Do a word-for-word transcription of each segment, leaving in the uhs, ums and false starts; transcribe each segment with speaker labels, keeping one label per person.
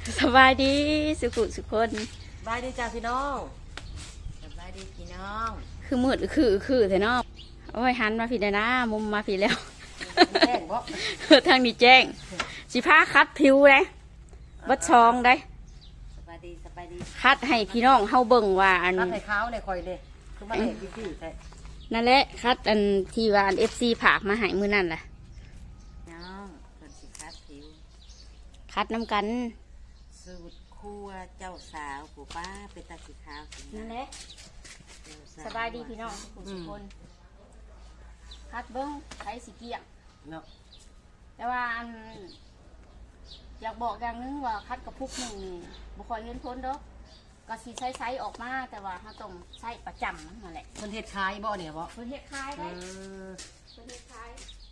Speaker 1: สบายดีสุขุสุคน
Speaker 2: สบายดีจ้าพี่น้องสบายดีพี่น้อง
Speaker 1: คือมืดคือคือแต่นอกโอ้ยหันมาผิดเลยนะมุมมาผิดแล้ว
Speaker 2: แจ้งบ่
Speaker 1: ทางนี้แจ้งสิผ้าคัดผิวเลยบัดชองได้
Speaker 2: สบายดีสบายดี
Speaker 1: คัดให้พี่น้องเฮาเบิ่งว่าอัน
Speaker 2: คัดให้ขาวในคอยเลยคือมาเห็นพี่ๆใช่
Speaker 1: นั่นแหละคัดอันที่ว่าอัน เอฟ ซี ผากมาให้มื้อนั่นแหละ
Speaker 2: น้องคนสิคัดผิว
Speaker 1: คัดน้ำกัน
Speaker 2: สูตรครัวเจ้าสาวปู่ป้าเป็นตาสีขาว
Speaker 1: นั่นแหละสบายดีพี่น้องทุกคนคัดเบิ้งใช้สีเกียง
Speaker 2: เนาะ
Speaker 1: แต่ว่าอันอยากบอกอย่างนึงว่าคัดกระพุกหนึ่งบุคคลเห็นพ้นเด้อก็สีใช้ไซส์ออกมาแต่ว่าเขาต้องใช้ประจำนั่นแหละ
Speaker 2: คนเฮ็ดคายบ่เนี่ยบ่
Speaker 1: คนเฮ็ดคายได้คนเฮ็ดคาย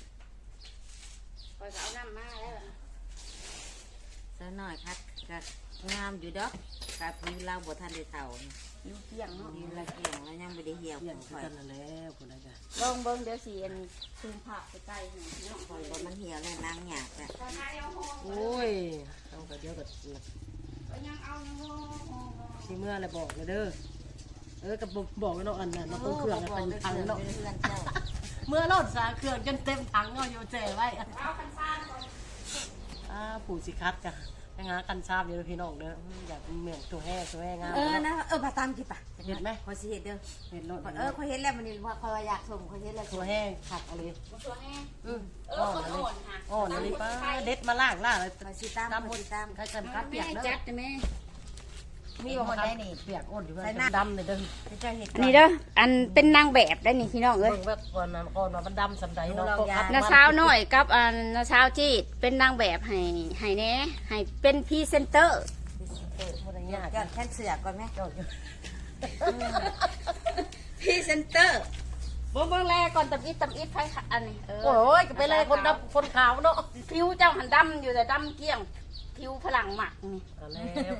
Speaker 1: คอยก็เอาน้ำมาแล้ว
Speaker 2: ซะหน่อยคัดกัดงามอยู่ดอกกับผิวเราบ่ทันได้เฒ่า
Speaker 1: ผิวเกี่ยงเนาะ
Speaker 2: ผิวเราเกี่ยงแล้วยังไม่ได้เหี่ยวเหี่ยวกันแล้วคนนั้นจ้ะ
Speaker 1: ลองเบิ้งเดี๋ยวสีอันซูมภาพไปใกล้หน่อยเนาะ
Speaker 2: คอยว่ามันเหี่ยวแล้วนางหยาบจ้ะ
Speaker 1: โ
Speaker 2: อ้ยเอาไปเดี๋ยวก็ที่เมื่อไรบอกเลยเด้อเออกับบอกแล้วเนาะอันนั้นเราต้องเครื่องกันถังเนาะเมื่อรถสาเครื่องจนเต็มถังเอาอยู่เจ๋ไว้อ่าผู้สิคัดจ้ะไปงากันชาบเดี๋ยวพี่น้องเด้ออยากเหมือนตัวแห่ตัวแห่งาม
Speaker 3: เออนะเออมาตามกี่ปะ
Speaker 2: เห็นไหม
Speaker 3: คอยสิเห็ดเด้อ
Speaker 2: เห็นรถ
Speaker 3: เออคอยเห็นแล้วมันนี่ว่าคอยอยากส่งคอยเห็นแล้ว
Speaker 2: ตัวแห่ขัดอะไร
Speaker 1: ตัวแห่
Speaker 2: อืมอ่อนอะไรอ่อนอะไรป้าเด็ดมาล่างล่าเลย
Speaker 3: คอยสิตามคอยสิตาม
Speaker 2: ใครกันคัดเปียกเด้อ
Speaker 1: จัดไหม
Speaker 3: มีคนได้นี่
Speaker 2: เปียกอ้นอยู่ว่าดำเลยเด้อ
Speaker 1: อันนี้เด้ออันเป็นนางแบบได้นี่พี่น้องเอ้ย
Speaker 2: เบิ่งว่าก่อนนั้นก่อนว่ามันดำสำใดเนาะ
Speaker 1: นาสาวน้อยกับอันนาสาวจีดเป็นนางแบบให้ให้แน่ให้เป็นพรีเซนเตอร์
Speaker 3: ก่อนแค่เสือก่อนไหม
Speaker 1: พรีเซนเตอร์เบิ่งเบิ่งแลก่อนตำอิดตำอิดไฟอันนี้
Speaker 2: โอ้ยก็ไปเลยคนดำคนขาวเนาะ
Speaker 1: ผิวเจ้าหันดำอยู่แต่ดำเกลี้ยงผิวพลังหมักนี่
Speaker 2: แล้ว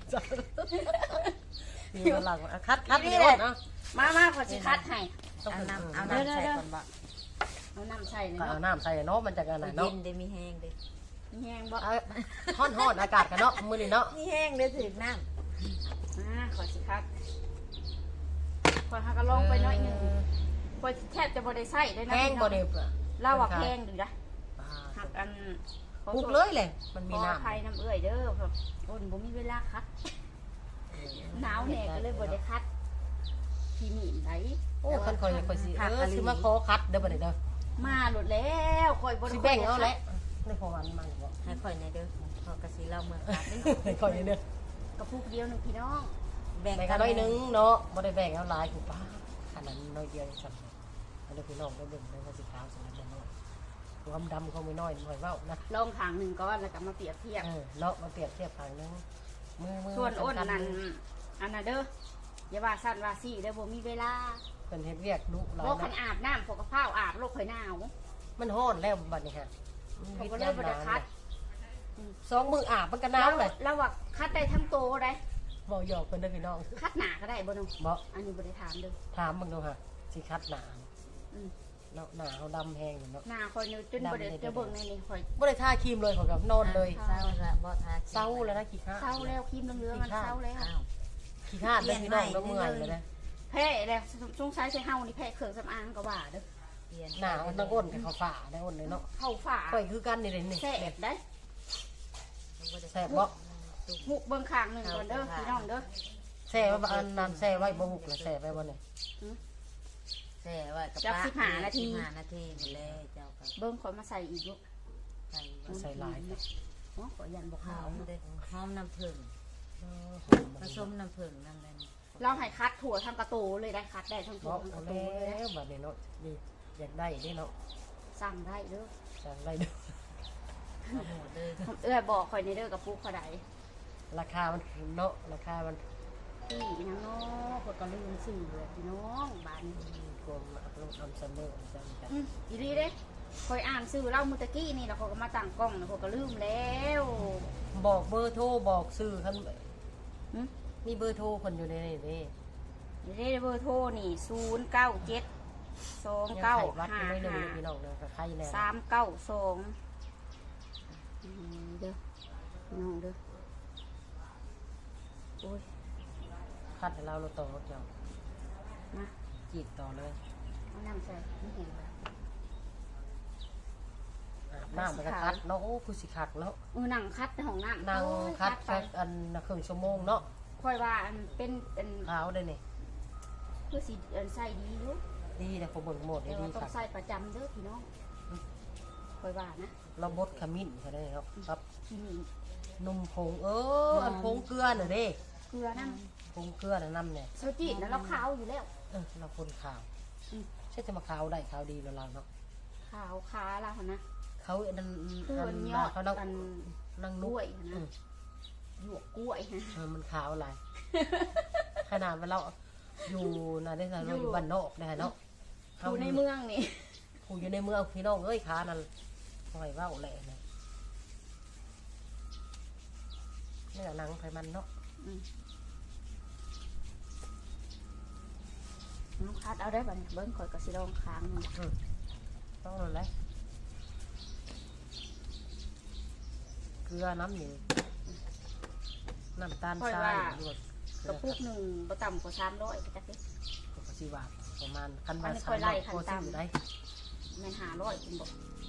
Speaker 2: ผิวพลังคัดคัดนี่เลยเนาะ
Speaker 1: มามาขอสิคัดให้
Speaker 3: เอาน้ำเอาน้ำใส่ก่อนบ่
Speaker 1: เอาน้ำใส่เนาะ
Speaker 2: เอาน้ำใส่เนาะมันจะกันไหนเนาะ
Speaker 3: เย็นได้มีแห้งด้
Speaker 1: มีแห้งบ่
Speaker 2: ฮ้อนฮ้อนอากาศกันเนาะมื้อนี้เนาะ
Speaker 3: มีแห้งได้ถึงน้
Speaker 1: ำมาขอสิคัดขอหักกระลงไปหน่อยหนึ่งขอแทบจะบ่ได้ใส่ได้นะ
Speaker 2: แห้งบ่ได้
Speaker 1: เล่าว่าแห้งดูนะหักอัน
Speaker 2: ปุกเลยเลยมันมีน้ำ
Speaker 1: ไข่น้ำเอื่อยเด้อครับอ้นบ่มีเวลาคัดหนาวแน่ก็เลยบ่ได้คัดที่นี่ไหน
Speaker 2: โอ้คันคอยคอยสิเออสิมาขอคัดเด้อบ่ได้เด้อ
Speaker 1: มาหลุดแล้วคอยบ่
Speaker 2: สิแบ่งเอาแหละในพอวันมาบ่
Speaker 3: ให้คอยในเด้อพอกระสีเราเมื่อคัด
Speaker 2: ให้คอยเด้อก
Speaker 1: ระปุกเดียวนึงพี่น้อง
Speaker 2: แบ่งกันน้อยนึงเนาะบ่ได้แบ่งเอาหลายกูป้าขนาดน้อยเดียวสั่นเอาเด้อพี่น้องได้เบิ่งได้ว่าสิขาวสั่นแล้วเนาะความดำเขาไม่น้อยหน่อยเว้านะ
Speaker 1: ลองขางหนึ่งก้อนแล้วก็มาเปรียบเทียบ
Speaker 2: เนาะมาเปรียบเทียบขางนึงมือมือ
Speaker 1: ส่วนอ้นนั่นอันน่ะเด้ออย่าว่าสั้นว่าสี่เด้อบ่มีเวลา
Speaker 2: เป็นเฮ็ดเวียกดุหลาย
Speaker 1: บ่คันอาบน้ำพวกกระเพราอาบโรคข่อยหนาว
Speaker 2: มันฮ้อนแล้วบัดนี้ฮะ
Speaker 1: ผมก็เลยบ่ได้คัด
Speaker 2: สองมืออาบมันก็หนาวเลย
Speaker 1: แล้วว่าคัดได้ทั้งโตได้
Speaker 2: บ่หยอกเพิ่นเด้อพี่น้อง
Speaker 1: คัดหนาก็ได้บ่น้อง
Speaker 2: บ่
Speaker 1: อันนี้บ่ได้ถามเด้อ
Speaker 2: ถามมึงดูฮะสิคัดหนาอืมเนาะหนาเฮาดำแห้งเนาะ
Speaker 1: หนาคอยจนบ่ได้จะเบิ่งในนี้คอย
Speaker 2: บ่ได้ทาครีมเลยของกับนอนเลย
Speaker 3: เศร้าละบ่ทา
Speaker 2: เศร้าแล้วนะขี้ข้า
Speaker 1: เศร้าแล้วครีมเหลืองๆมันเศร้าแล้ว
Speaker 2: ขี้ข้าเด้อพี่น้องก็เมื่อยเลยนะ
Speaker 1: แพ้แล้วสงสัยใช้เฮานี่แพ้เครื่องสำอางก็ว่าเด้อ
Speaker 2: หนามันต้องอ้นกับเขาฝ่าได้อ้นเลยเนาะ
Speaker 1: เข้าฝ่า
Speaker 2: ข่อยคือกันนี่เลยนี่
Speaker 1: แซ่บได้
Speaker 2: แซ่บบ่
Speaker 1: หุบเบิ่งข้างนึงก่อนเด้อพี่น้องเด้อ
Speaker 2: แซ่ว่าอันนั้นแซ่ไว้บ่หุบแล้วแซ่ไว้บ่เนี่ย
Speaker 3: แซ่ไว้กับ
Speaker 1: ป้าสิบห้านาที
Speaker 3: ห้านาทีหมดแล้วเจ้าก็
Speaker 1: เบิ่งขอยมาใส่อีกลูก
Speaker 2: ใส่ลาย
Speaker 1: อ๋อขอยันบ่ขาว
Speaker 3: เด้อหอมน้ำผึ้งผสมน้ำผึ้งนั่นแหละ
Speaker 1: เราให้คัดถั่วทำกระโตเลยได้คัดได้ทั้งถั่วทั้งกระโตเลย
Speaker 2: นะบัดนี้เนาะนี่อยากได้นี่เนาะ
Speaker 1: สั่งได้เด้อ
Speaker 2: สั่งได้เด้อ
Speaker 1: เออบอกคอยในเด้อกับปุ๊กเขาได้
Speaker 2: ราคามันเนาะราคามัน
Speaker 1: พี่น้องเนาะคนก็ลืมสื่อเลยพี่น้องบ้าน
Speaker 2: กรมอัพโหลดทำซัมเมอร์จังกัน
Speaker 1: อีดีเด้คอยอ่านสื่อเล่ามุตะกี้นี่แล้วเขาก็มาตั้งกล้องแล้วเขาก็ลืมแล้ว
Speaker 2: บอกเบอร์โทรบอกสื่อท่านมีเบอร์โทรคนอยู่ในนี่นี่
Speaker 1: นี่เบอร์โทรนี่ศูนย์เก้าเจ็ดสองเก้าห้าห้าสามเก้าสองเด้อน้องเด้อโอ้ย
Speaker 2: คัดให้เราเราต่อรถเจ้า
Speaker 1: มา
Speaker 2: จีบต่อเลย
Speaker 1: เอาน้ำใส่ไม่เห็นเลย
Speaker 2: อาบน้ำมันก็คัดเนาะโอ้คือสิคักเนาะ
Speaker 1: เออนั่งคัดในห้องน้ำ
Speaker 2: นั่ง
Speaker 1: โอ้ย
Speaker 2: คัด
Speaker 1: ไป
Speaker 2: แค่อันน่ะครึ่งชั่วโมงเนาะ
Speaker 1: ค่อยว่าอันเป็นเป็น
Speaker 2: ขาวได้นี่
Speaker 1: คือสีอันใส่ดีอยู่
Speaker 2: ดีแต่ผมเบิ่งหมด
Speaker 1: แต่
Speaker 2: ดี
Speaker 1: ว่าต้อง
Speaker 2: ค่ะ
Speaker 1: ใส่ประจำเด้อพี่น้องค่อยว่านะ
Speaker 2: เราบดขมิ้นใช่ไหมครับครับ
Speaker 1: ที่นี่
Speaker 2: นมผงเอออันผงเกลือน่ะเด้
Speaker 1: เกลือน้
Speaker 2: ผงเกลือน่ะน้ำเนี่ย
Speaker 1: ำเซาจีดนะเราขาวอยู่แล้ว
Speaker 2: เออเราคนขาว
Speaker 1: อืม
Speaker 2: ใช่จะมาขาวได้ขาวดีแล้วเราเนาะ
Speaker 1: ขาวขาเราหั่นนะ
Speaker 2: เขาอันนั้น
Speaker 1: คือ
Speaker 2: อั
Speaker 1: มัน
Speaker 2: น
Speaker 1: ยอด
Speaker 2: เขานั่ง
Speaker 1: อัน
Speaker 2: นั่ง
Speaker 1: ก
Speaker 2: นุ
Speaker 1: ล้
Speaker 2: ก
Speaker 1: วย
Speaker 2: อื
Speaker 1: นะ
Speaker 2: ม
Speaker 1: หยวกกล้วยนะ
Speaker 2: เออมันขาวอะไร ขนาดว่าเราอยู่นะได้เราอยู่บ้านนอกนะเนาะ
Speaker 1: อยู่ในเมืองนี่
Speaker 2: ผู้อยู่ในเมืองพี่น้องเอ้ยขานั่นหอยว่าวแหละเนี่ยนี่หนังไผมันเนาะ
Speaker 1: อืมน้องคัดเอาได้ป่ะเนี่ยเบิ้งข่อยกับสีดองค้างมัน
Speaker 2: อืมต้องเลยแหละเกลือน้ำหนึ่งน้ำตาลทรายหรือว่าก
Speaker 1: ระปุกหนึ่งประต่ำกว่าสามร้อยจักดิ
Speaker 2: ปกติว่าประมาณคัน
Speaker 1: อั
Speaker 2: บาน
Speaker 1: นี้
Speaker 2: สา
Speaker 1: ค่อ
Speaker 2: ม
Speaker 1: ยไล่
Speaker 2: ร้อย
Speaker 1: ขั้น
Speaker 2: โค
Speaker 1: ต่ำ
Speaker 2: ตรได้
Speaker 1: แม่นหาร้อยคุณบอก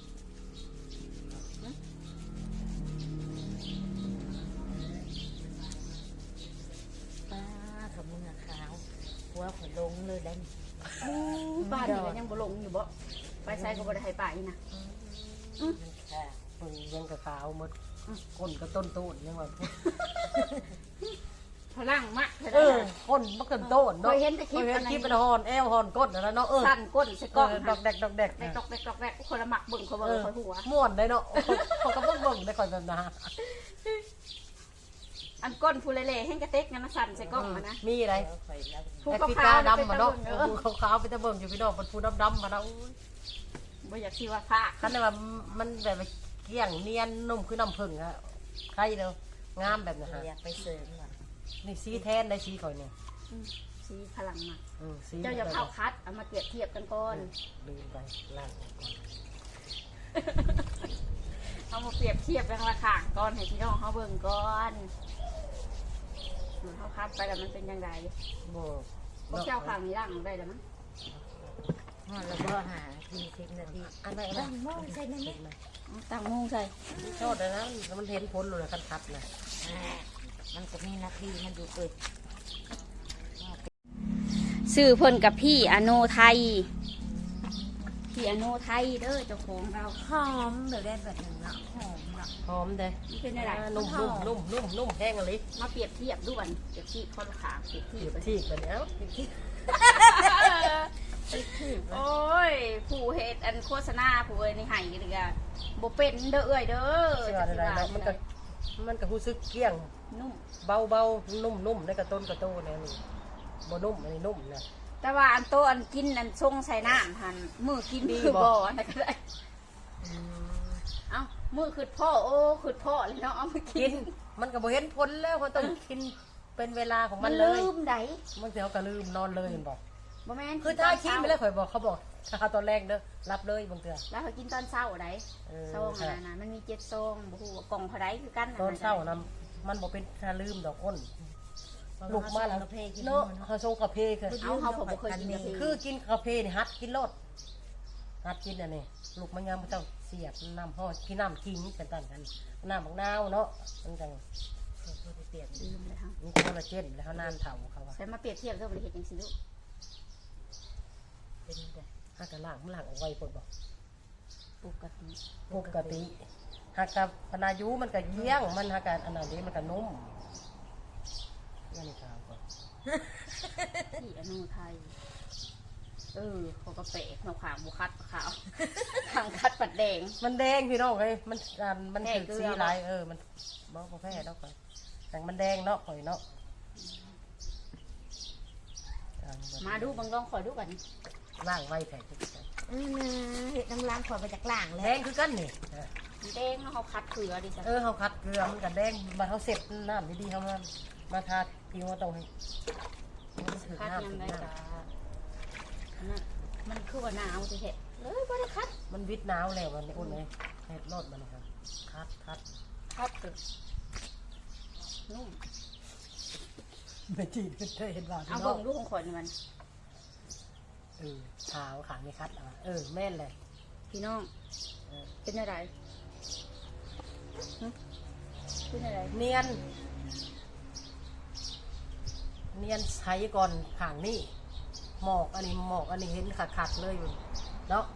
Speaker 3: ป้ากับมือขาวหัวขนลงเลยได้
Speaker 1: บ้านนี่ก็ยังบ่ลงอยู่บ่ไปใส่ก็บ่ได้ให้ไปนะ
Speaker 2: ค่ะเพิ่งยังกระขาวหมดก้นก็ต้นโตนยังว่า
Speaker 1: พลังมะ
Speaker 2: เออก้นมันก็โตนเนาะ
Speaker 1: เคยเห็นแต่คลิป
Speaker 2: เคยเห็
Speaker 1: อั
Speaker 2: น
Speaker 1: น
Speaker 2: คลิป
Speaker 1: ไห
Speaker 2: เป็น นฮอนแอลฮอนก้นนะเนาะเออ
Speaker 1: สั้นก้นใส่กล้อง
Speaker 2: ดอกแดกดอกแดก
Speaker 1: แดกดอกแดกดอกแดกคนละหมักเบิ่งเขาเบิ่งคอยหัว
Speaker 2: ม่วนได้เนาะเขาก็เบิ่งเบิ่งได้คอยแบบนั้น
Speaker 1: อันก้นฟูเล่ๆให้กระเต็กงั้นนะสั่นใส่กล้องมานะ
Speaker 2: มีอะไร
Speaker 1: ผู้
Speaker 2: ไอ้
Speaker 1: ขาว
Speaker 2: พี่
Speaker 1: ๆ
Speaker 2: ตา
Speaker 1: น่ะเป็น
Speaker 2: ดำมา
Speaker 1: ตะ
Speaker 2: เนาะ
Speaker 1: เบิ่งเออ
Speaker 2: ผู้ขาวๆไปตะเบิ่งอยู่พี่น้องเป็นผู้ดำๆมาเนาะ
Speaker 1: บ่อยากสิว่าพระ
Speaker 2: คันว่ามันแบบเกี้ยงเนียนนุ่มคือน้ำผึ้งอะใครเด้องามแบบนั้นฮะ
Speaker 3: อยากไปเสริมหน่อย
Speaker 2: นี่สีแทนได้สีข่อยเนี่ย
Speaker 1: อืมสีพลังมาก
Speaker 2: อืมสี
Speaker 1: เจ้าอย่าเข้าคัดเอามาเปรียบเทียบกันก่อน
Speaker 2: ดูไปล่างก่อน
Speaker 1: เอามาเปรียบเทียบกันราคาก่อนให้พี่น้องเขาเบิ่งก่อนเหมือนเขาคัดไปแล้วมันเป็นยังไง
Speaker 2: บ่
Speaker 1: พวกเจ้าข้างนี้ร่างได้แล้วมั้ง
Speaker 3: อ๋อแล้วก็หาทีสิบนาที
Speaker 2: อันไหน
Speaker 3: บ้า
Speaker 2: นะ
Speaker 3: งโม่ใช่ไหม
Speaker 1: เอาตั้งมุงใส่
Speaker 2: โทษเลยนะมันเห็นผลเลยคันคัดนะ
Speaker 3: มันก็มีนาทีมันอยู่เกิด
Speaker 1: ซื้อเพิ่นกับพี่อโนไทยพี่อโนไทยเด้อเจ้าของเรา
Speaker 3: หอมเดี๋ยวได้แบบหนึ่งละหอมละ
Speaker 2: หอมเด้
Speaker 1: มันเป็นอะไร
Speaker 2: นุ่มนุ่มนุ่มนุ่มนุ่มแห้งอะไร
Speaker 1: มาเปรียบเทียบด้วยเปรียบเทียบคนขาเปรียบเที
Speaker 2: เที
Speaker 1: ย
Speaker 2: ย
Speaker 1: บบ
Speaker 2: ที่กันเอ้าที่
Speaker 1: โอ้ยผู้เฮ็ดอันโฆษณาผู้เอ้ยในไห้กันเลยบ่เป็นเด้อเอ้ยเด้อ
Speaker 2: เชื่ออะไรนะมันก็มันก็รู้สึกเกี้ยง
Speaker 1: นุ่ม
Speaker 2: เบาเบานุ่มนุ่มในกระต้นกระโตเนี่ยนี่บ่นุ่มอันนี้นุ่มนะ
Speaker 1: แต่ว่าอันโตอันกินอันทรงใส่น้ำหันมือกิน
Speaker 2: ดี
Speaker 1: คือ
Speaker 2: บ่
Speaker 1: บ่อันนั้นก็ได้เอ้ามือคือพ่อโอ้คือพ่อเลยเนาะเอามากิ
Speaker 2: กิ
Speaker 1: น
Speaker 2: นมันก็บ่เห็นผลแล้วมันต้องกินเป็นเวลาของ
Speaker 1: มั
Speaker 2: มัน น
Speaker 1: ลื
Speaker 2: เลย
Speaker 1: มได
Speaker 2: มันเสียวก็ลืมนอนเลยเห็นบอก
Speaker 1: บ่แม่น
Speaker 2: คือถ้าคิดไปแล้วข่อยบอกเขาบอกถ้าตอนแรกเด้อรับเลยบางเตือ
Speaker 1: แล้วเขากินตอนเช้าได
Speaker 2: เออ
Speaker 1: ซองอันนั้นนะมันมีเจ็ดซองบ่ฮู้ว่ากล่องเท่าใดคือกัน
Speaker 2: ตอนเช้านะมันบอกเป็นถ้าลืมดอกอ้นลุกมาแล้ว
Speaker 3: กาแฟกิน
Speaker 2: เนาะเขาส่งกาแฟคือ
Speaker 1: เอาเขาผมบ่เคยกินกาแฟ
Speaker 2: คือกินกาแฟนี่ฮัดกินรสฮัดกินอันนี้ลูกมันยังไม่ต้องเสียบน้ำห่อกินน้ำกินกันตันกันน้ำบักนาวเนาะมันจัง
Speaker 3: เปลี่ยน
Speaker 1: ลืมเลยค่ะ
Speaker 2: มีคอลลาเจนแล้วเขานานเถาเขาว่า
Speaker 1: ใส่มาเปรียบเทียบเด้อบ่ได้เฮ็ดจังซี่ลูก
Speaker 3: เป็นแบบ
Speaker 2: ฮักกะล่างมันหลังเอาไว้ปดบอก
Speaker 1: ปกติ
Speaker 2: ปกติฮักกับพนายุมันก็เยี่ยงมันฮักกันอันนั้นนี้มันก็นุ่มนี่ขาวก่อน
Speaker 1: ที่อนุไทยเออเขาก็เปะเนาขางบุคัดขาวขางคัดปัดแดง
Speaker 2: มันแดงพี่น้องเลยมันอ่ามัน
Speaker 1: แพ้
Speaker 2: ถือ
Speaker 1: เกลือ
Speaker 2: สีลายเออมันบอกว่าแพ้ดอกไปแต่มันแดงเนาะข่อยเนาะอ่
Speaker 1: มาดูบังลองคอยดูกัน
Speaker 2: ล่างไว้แผลทุกที
Speaker 3: อืมเห็ดน้ำล้างขวดมาจากล่าง
Speaker 2: แด
Speaker 3: แล้ว
Speaker 2: งคือกันนี่
Speaker 1: แดงเนาะเขาคัดเกลือดิจ้ะ
Speaker 2: เออเขาคัดเกลือมันกันแดงมาเขาเสร็จน้ำดีๆเขามามาทาผิวมาตรงให้มันถือ
Speaker 1: คัด
Speaker 2: น้ำ
Speaker 1: ยัง
Speaker 2: ถือ
Speaker 1: ไง
Speaker 2: น้
Speaker 1: กะนั่นมันคือว่าหนาวสิเห็ดเลยบ่ได้คัด
Speaker 2: ำมันวิดหนาวแล้วมันอุ่นเลยเห็ดรดมันนะครับคัดคัด
Speaker 1: คัดตึกนุ่ม
Speaker 2: ไม่จีนเคยเห็นว่า
Speaker 1: เอา
Speaker 2: พี่น้
Speaker 1: เบิ่
Speaker 2: อง
Speaker 1: งลูกของข่อยนี่มัน
Speaker 2: เออขาวขางไม่คัดอ่ะเออแม่นเลย
Speaker 1: พี่น้อง
Speaker 2: เออ
Speaker 1: เป็นอะไรหึเป็นอะไร
Speaker 2: เนียน เนียนใช้ก่อนขางนี่หมอกอันนี้หมอกอันนี้เห็นขาดขาดๆเลยเนาะ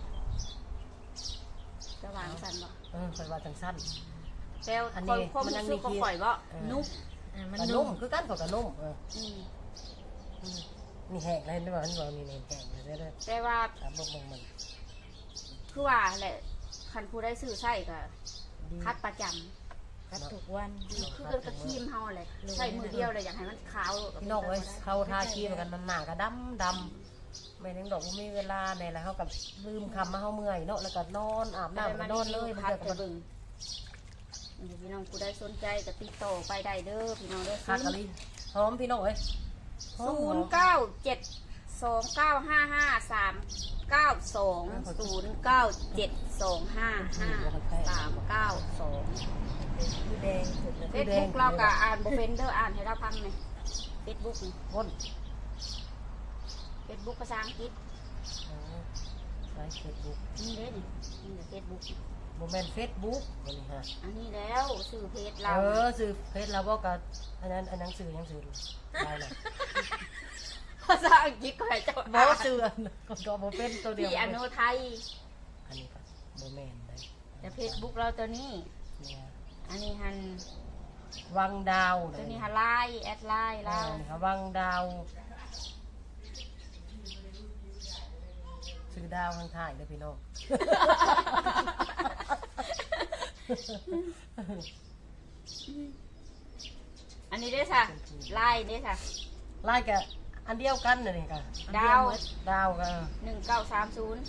Speaker 1: จะวางสันบ่
Speaker 2: เออคอยว่าจังสั้น
Speaker 1: แต่
Speaker 2: อันนี้
Speaker 1: คนความ
Speaker 2: มันยัง
Speaker 1: รู้สึกของ
Speaker 2: มี
Speaker 1: ข่อยบ่
Speaker 2: เออ
Speaker 1: นุ่ม
Speaker 3: อ่ะมัน
Speaker 2: กระ
Speaker 3: นุ่
Speaker 2: นุ่
Speaker 3: ม
Speaker 2: มคือกันกับกระนุ่มเออ
Speaker 1: อืม
Speaker 2: อืมนี่แห้งเลยนี่ว่านี่ว่ามีเนยแห้งเลยเด้อ
Speaker 1: แต่ว่า
Speaker 2: ถามบอกมึงมัน
Speaker 1: คือว่าแหละคันผู้ได้ซื้อใส่ก็
Speaker 2: ดี
Speaker 1: คัดประจำ
Speaker 3: คัดทุกวัน
Speaker 1: คือเกินกับครีมเฮาเลยใส่มือเดียวเลยอยากให้มันขาว
Speaker 2: พี่น้องเอ้ยเขาทาครีมกันมันหนาก็ดำดำไม่นึงดอกว่ามีเวลาในแล้วเขากับลืมคำมาเขาเมื่อยเนาะแล้วก็นอนอาบน้ำก็นอนเลยมัน
Speaker 1: คัด
Speaker 2: เกิด
Speaker 1: จะ
Speaker 2: กับ
Speaker 1: เบิ่งนี่พี่น้องผู้ได้สนใจก็ติดต่อไปได้เด้อพี่น้องเด้อ
Speaker 2: คากะลิหอมพี่น้องเอ้ยหอม
Speaker 1: ศู
Speaker 2: หอน ม
Speaker 1: ย์เก้าเจ็ดสองเก้าห้าห้าสามเก้าสองศูนย์เก้าเจ็ดสองห้าห้าสามเก้าสอง
Speaker 3: ผู้แดงสุดเลย
Speaker 1: เฟซบุ๊กเราก็อ่านบ่เป็นเด้ออ่านให้เราฟังหน่อยเฟซบุ๊กนี่
Speaker 2: ก้น
Speaker 1: เฟซบุ๊กภาษาอังกฤษ
Speaker 2: อ๋อใช้เฟซบุ๊ก
Speaker 1: นี่เด้นี่นี่เฟซบุ๊ก
Speaker 2: โมเมนเฟซบุ๊กวันนี้ฮะ
Speaker 1: อันนี้แล้วสื่อเพจเรา
Speaker 2: เออสื่อเฟซเราบอกกับอันนั้นอันนั้นสื่อยังสื่อดูได้เลย
Speaker 1: ภาษาอังกฤษก็ให้เจ้า
Speaker 2: บอสื่ออันก็ก็โมเป็นตัวเดียว
Speaker 1: พี่อโนไทย
Speaker 2: อันนี้ก็โมเมนได้
Speaker 1: แต่เฟซบุ๊กเราตัวนี้
Speaker 2: เนี่ย
Speaker 1: อันนี้ฮัน
Speaker 2: วังดาว
Speaker 1: ตัวนี้ฮันไลน์แอดไลน์
Speaker 2: เรา
Speaker 1: เรา
Speaker 2: ค่ะวังดาวซื้อดาวข้างท้ายเลยพี่น้อง
Speaker 1: อันนี้ได้ค่ะไลน์ได้ค่ะ
Speaker 2: ไล่กับอันเดียวกันเลยนี่ค่ะ
Speaker 1: ดาว
Speaker 2: ดาวก็
Speaker 1: หนึ่งเก้าสามศูนย์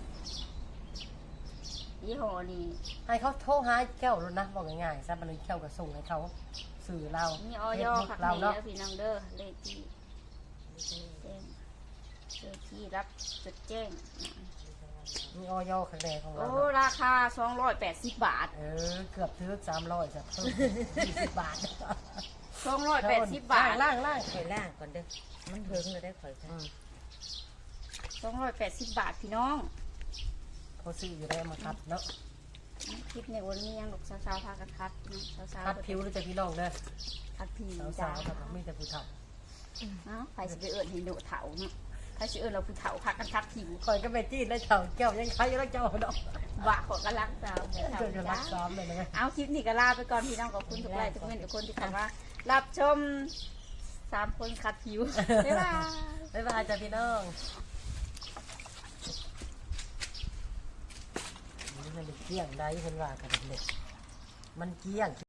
Speaker 1: ยี่ห้อนี้
Speaker 2: ให้เขาโทรหาแก้วแล้วนะบอกง่ายๆซะมันเลยแก้วก็ส่งให้เขาสื่อเรา
Speaker 1: มีออย
Speaker 2: Facebook
Speaker 1: ขับ
Speaker 2: เรา
Speaker 1: นี้
Speaker 2: เนาะ
Speaker 1: แล้วพี่น้องเด้อเลขที่แจ้งเลขที่รับจดแจ้ง
Speaker 2: มีออยข้างในของเรา
Speaker 1: โอ้
Speaker 2: เนาะ
Speaker 1: ราคาสองร้อยแปดสิบบาท
Speaker 2: เออเกือบถึงสามร้อยจ้ะเพิ่มยี่สิบบาท
Speaker 1: สองร้อยแปดสิบบาท
Speaker 2: ล่างล่าง
Speaker 3: ข่อยล่างก่อนเด้อมันเพิงเลยได้ข่อย
Speaker 2: ๆ
Speaker 3: ค่ะ
Speaker 2: อืม
Speaker 1: สองร้อยแปดสิบบาทพี่น้อง
Speaker 2: เขาซื้ออยู่ได้มาคัดเนาะ
Speaker 1: คลิปในวันนี้ยังหลกสาวๆพากันคัดเนาะสาวๆ
Speaker 2: คัดผิวหรือจะพี่น้องเด้อ
Speaker 1: คัดผิว
Speaker 2: สา
Speaker 1: จ้าว
Speaker 2: ๆครับมีแต่ผู้เฒ่า
Speaker 1: เนาะใครจะไปเอิญให้โดดเถาเนาะใครจะเอิญเราผู้เถาพากันคัดผิว
Speaker 2: คอยก็ไปจี้ได้เฒ่าแก้วยังใครแล้วเจ้าดอก
Speaker 1: บะขอกระลักสาวแม่เถา
Speaker 2: เจ้าจะรัก
Speaker 1: จ้า
Speaker 2: ซ้อมเลยนะ
Speaker 1: เอาคลิปนี้ก็ลาไปก่อนพี่น้องขอบคุณทุกไลค์ทุกเมนทุกคนที่เข้ามารับชมสามคนคัดผิวบ๊ายบาย
Speaker 2: บ๊ายบายจ้ะพี่น้องนี่มันเกี้ยงได้เพิ่นว่ากันเด็กมันเกี้ยง